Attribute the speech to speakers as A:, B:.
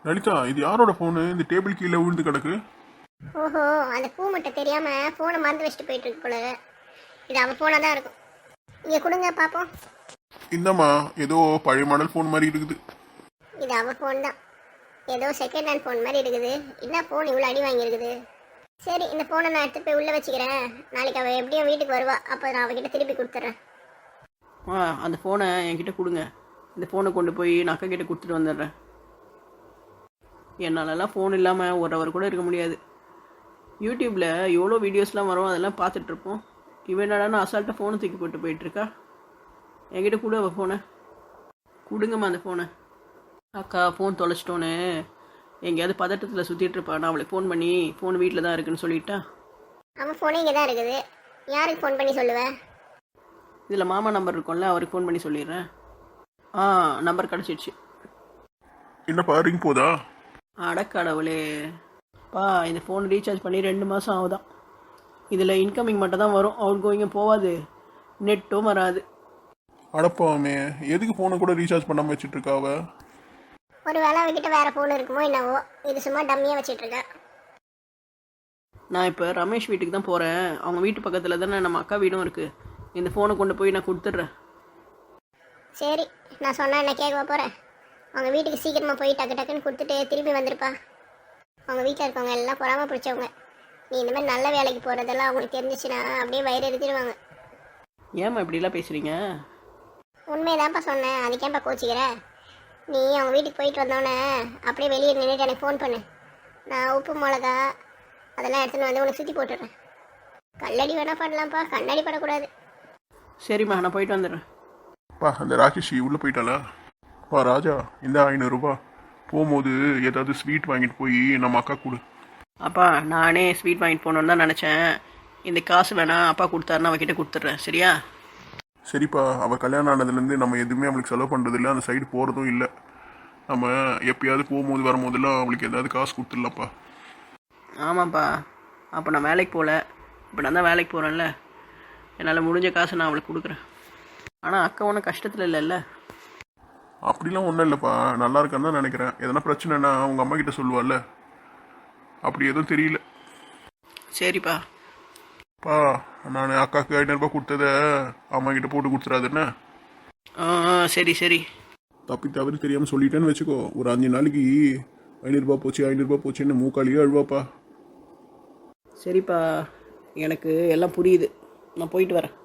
A: லலிதா, இது யாரோட ஃபோனு? இந்த டேபிள் கீழே விழுந்து கிடக்கு.
B: ஓஹோ, அந்த பூ மட்டும் தெரியாம ஃபோனை மறந்து வச்சுட்டு போயிட்டு இருக்கு போல. இது அவன் ஃபோனாக தான் இருக்கும். இங்கே கொடுங்க பார்ப்போம்.
A: இந்தம்மா, ஏதோ பழைய மாடல் ஃபோன் மாதிரி இருக்குது.
B: இது அவன் ஃபோன் தான். ஏதோ செகண்ட் ஹேண்ட் ஃபோன் மாதிரி இருக்குது. என்ன ஃபோன் இவ்வளோ அடி வாங்கியிருக்குது. சரி, இந்த ஃபோனை நான் எடுத்து போய் உள்ளே வச்சுக்கிறேன். நாளைக்கு அவள் எப்படியும் வீட்டுக்கு வருவா, அப்போ நான் அவகிட்ட திருப்பி கொடுத்துட்றேன்.
C: அந்த ஃபோனை என்கிட்ட கொடுங்க. இந்த ஃபோனை கொண்டு போய் நான் அக்கா கிட்ட கொடுத்துட்டு வந்துடுறேன். என்னாலலாம் ஃபோன் இல்லாமல் ஒரு ஹவர் கூட இருக்க முடியாது. யூடியூப்பில் எவ்வளோ வீடியோஸ்லாம் வரும், அதெல்லாம் பார்த்துட்ருப்போம். இவன் என்னடானா அசால்ட்டாக ஃபோனை தூக்கி போட்டு போயிட்டுருக்கா. என்கிட்ட கொடு அவள் ஃபோனை. கொடுங்கம்மா அந்த ஃபோனை. அக்கா ஃபோன் தொலைச்சிட்டோன்னு எங்கேயாவது பதட்டத்தில் சுற்றிட்டுருப்பா. நான் அவளுக்கு ஃபோன் பண்ணி ஃபோன் வீட்டில் தான் இருக்குன்னு சொல்லிட்டா.
B: அவன் ஃபோனே இங்கே தான் இருக்குது. யாருக்கு ஃபோன் பண்ணி சொல்லுவேன்?
C: இதில் மாமா நம்பர் இருக்கும்ல, அவருக்கு ஃபோன் பண்ணி சொல்லிடுறேன். நம்பர் கிடச்சிடுச்சு.
A: என்னப்பா, ரிங் போதா?
C: அடக்கடவுளே இந்த ஃபோன் ரீசார்ஜ் பண்ணி 2 மாதம் ஆகுதான். இதில் இன்கமிங் மட்டும் தான் வரும், அவுட் கோயிங்கும் போகாது, நெட்டும் வராது.
A: அடப்பாமே, எதுக்கு ஃபோனை கூட ரீசார்ஜ் பண்ணாமல் வச்சுட்டு இருக்கா அவ?
B: ஒரு வேளை அவகிட்ட வேற ஃபோன் இருக்குமோ என்னவோ. இது சும்மா டம்மியாக வச்சுட்டு இருக்கா.
C: நான் இப்போ ரமேஷ் வீட்டுக்கு தான் போகிறேன். அவங்க வீட்டு பக்கத்தில் தானே நம்ம அக்கா வீடும் இருக்குது. இந்த ஃபோனை கொண்டு போய் நான் கொடுத்துட்றேன்.
B: சரி, நான் சொன்னா என்ன கேட்க போகிறேன்? அவங்க வீட்டுக்கு சீக்கிரமாக போய் டக்கு டக்குன்னு கொடுத்துட்டு திரும்பி வந்திருப்பா. அவங்க வீட்டில் இருக்கவங்க எல்லாம் பொறாம பிடிச்சவங்க. நீ இந்த மாதிரி நல்ல வேலைக்கு போகிறதெல்லாம் அவங்களுக்கு தெரிஞ்சிச்சுன்னா அப்படியே வயிறு எடுத்துடுவாங்க.
C: ஏம்மா இப்படிலாம் பேசுகிறீங்க?
B: உண்மையதான்ப்பா சொன்னேன், அதுக்கேன்ப்பா கோச்சிக்கிற? நீ அவங்க வீட்டுக்கு போயிட்டு வந்தோடனே அப்படியே வெளியே நின்றுட்டு எனக்கு ஃபோன் பண்ணு. நான் உப்பு மிளகா அதெல்லாம் எடுத்துன்னு வந்து உனக்கு சுற்றி போட்டுடுறேன். கல்லடி வேணா பண்ணலாம்ப்பா, கண்ணாடி படக்கூடாது.
C: சரிம்மா, நான் போயிட்டு வந்துடுறேன்.
A: பா, அந்த ராகேஷி உள்ளே போயிட்டாளா? பா ராஜா, இந்த 500 ரூபா போகும்போது ஏதாவது ஸ்வீட் வாங்கிட்டு போய் நம்ம அக்கா கொடு.
C: அப்பா, நானே ஸ்வீட் வாங்கிட்டு போகணுன்னு தான் நினச்சேன். இந்த காசு வேணாம், அப்பா கொடுத்தாருன்னு அவகிட்ட கொடுத்துட்றேன். சரியா?
A: சரிப்பா, அவள் கல்யாணம் ஆனதுலேருந்து நம்ம எதுவுமே அவளுக்கு செலவு பண்ணுறது இல்லை, அந்த சைடு போகிறதும் இல்லை. நம்ம எப்பயாவது போகும்போது வரும்போதெல்லாம் அவளுக்கு ஏதாவது காசு கொடுத்துடலாம்ப்பா.
C: ஆமாப்பா, அப்போ நான் வேலைக்கு போகல, இப்போ நான் தான் வேலைக்கு போகிறேன்ல, என்னால் முடிஞ்ச காசு நான் அவளுக்கு கொடுக்குறேன். ஆனால் அக்கா ஒன்றும் கஷ்டத்தில் இல்லைல்ல?
A: அப்படிலாம் ஒன்றும் இல்லைப்பா, நல்லா இருக்கான்னு தான் நினைக்கிறேன். எதனா பிரச்சனைனா அவங்க அம்மா கிட்ட சொல்லுவாள்ல, அப்படி எதுவும் தெரியல.
C: சரிப்பா.
A: பா, நான் அக்காவுக்கு 500 ரூபா கொடுத்ததை அம்மா கிட்ட போட்டு கொடுத்துறாதுன்னு.
C: சரி சரி.
A: தப்பி தவறி தெரியாமல் சொல்லிட்டேன்னு வச்சுக்கோ, ஒரு 5 நாளைக்கு 500 ரூபா போச்சு 500 ரூபா போச்சுன்னு மூக்காளியே அழுவாப்பா.
C: சரிப்பா, எனக்கு எல்லாம் புரியுது. நான் போயிட்டு வரேன்.